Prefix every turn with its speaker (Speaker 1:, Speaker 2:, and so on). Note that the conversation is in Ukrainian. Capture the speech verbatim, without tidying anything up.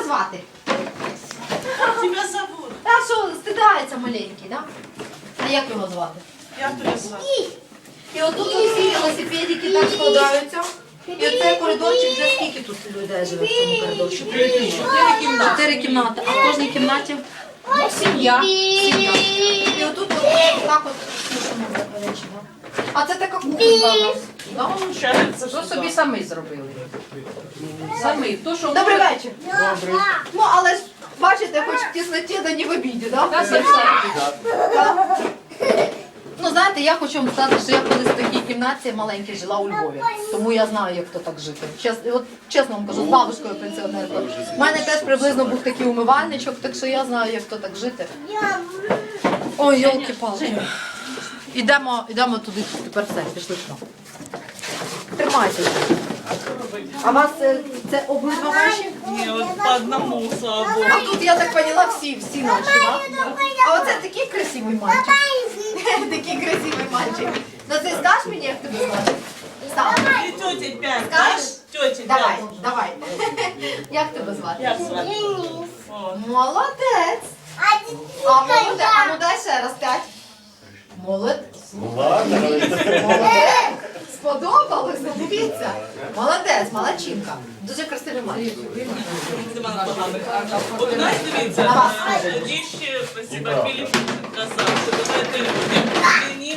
Speaker 1: звати?
Speaker 2: Тебя зовут.
Speaker 1: Та що, стидається маленький, да? А як його звати?
Speaker 2: Я тебя зовут.
Speaker 1: І отут усі велосипедики так складаються. І оцей коридорчик, вже скільки тут людей живе в цьому коридорчику?
Speaker 2: Чотири кімнати.
Speaker 1: Чотири кімнати, а в кожній кімнаті ну, сім'я. Сім'я. І отут от, так от слушаємо речі, да? А це така кухонька у нас. Да?
Speaker 2: Получается,
Speaker 3: То
Speaker 2: что
Speaker 3: собі
Speaker 2: да.
Speaker 3: самі зробили. Самі. То, що
Speaker 1: Добрий вечір. Ну, але ж, бачите, хоч в тісноті, да не в обіді, да?
Speaker 3: Та все все.
Speaker 1: Так. Ну, знаєте, я хочу вам сказати, що я колись в такій кімнаті маленькій жила у Львові. Тому я знаю, як то так жити. Чес, от, чесно вам кажу, з бабушкою пенсіонеркою. У мене теж приблизно був такий умивальничок, так що я знаю, як то так жити. Ой, йолки-палки. Ідемо, ідемо туди, тепер все, пішли сюди. Тримайтеся. А вас це, це обидва ваші?
Speaker 2: Не, вот по одному, слава Богу.
Speaker 1: А тут, я так поняла, всі, всі наші, так? А оце такий красивий мальчик. Такий красивий мальчик. Ну ти скажеш мені, як тебе звати? Сам.
Speaker 2: И тете пять,
Speaker 1: Скажешь?
Speaker 2: да? Тете
Speaker 1: Давай,
Speaker 2: пять.
Speaker 1: давай. Як тебе звати?
Speaker 2: Я звать. О,
Speaker 1: Молодець. А молодець. А ну дай ще раз п'ять. Молодець. Молодець. Сподобалося, дивіться. Молодець, молодчинка. Дуже красивий мальчик.
Speaker 2: нема поганих. От у нас, дивіться,
Speaker 1: На вас
Speaker 2: діще, спасибо, Філіп, красавчик. Давайте,